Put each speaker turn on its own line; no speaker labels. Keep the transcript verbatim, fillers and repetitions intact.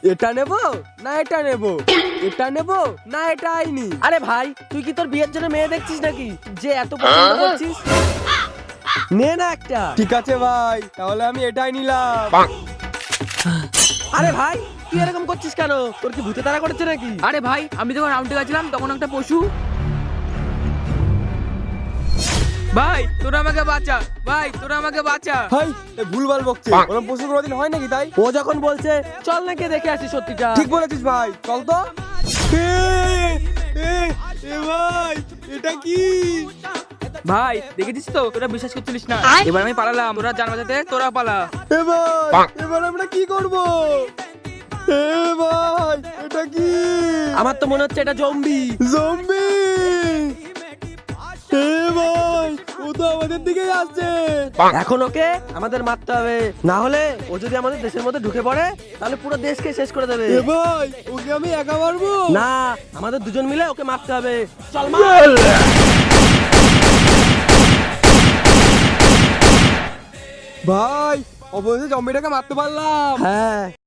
এটা নেব না এটা নেব, এটা নেব না এটা আইনি। আরে ভাই তুই কি তোর বিয়ের জন্য মেয়ে দেখছিস নাকি যে এত পছন্দ করছিস? নে না একটা। ঠিক আছে ভাই, তাহলে আমি এটাই নিলাম। আরে ভাই তুই এরকম করছিস কেন? তোর কি ভূতে তাড়া করেছে নাকি?
আরে ভাই আমি যখন রাউন্ডে গেছিলাম তখন একটা পশু। ভাই তোরা আমাকে বাঁচা, ভাই তোরা আমাকে বাঁচা।
ভাই এ ভুলভাল বকছে, ওরকম পশু কোনোদিন হয় নাকি? তাই ও যখন বলছে চল নাকি দেখে আসি সত্যিটা। ঠিক বলেছিস ভাই, চল তো। এ, এ, এ ভাই এটা কি?
ভাই দেখেছিস তো, তোরা বিশ্বাস করছিলিস না, এবার আমি পালালাম, তোরা জান বাঁচাতে তোরা পালা।
এ ভাই এবার আমরা কি করব? এ ভাই এটা কি? আমার তো মনে হচ্ছে এটা জম্বি। জম্বি? এ ভাই ও তো আমাদের দিকেই আসছে। এখন ওকে আমাদের মারতে হবে, না হলে ও যদি আমাদের দেশের মধ্যে ঢুকে পড়ে তাহলে পুরো দেশকে শেষ করে দেবে। এ ভাই ওকে আমি একা মারবো না, আমাদের দুজন মিলে ওকে মারতে হবে। চল মার। ভাই অবশেষে জম্বিটাকে মারতে পারলাম। হ্যাঁ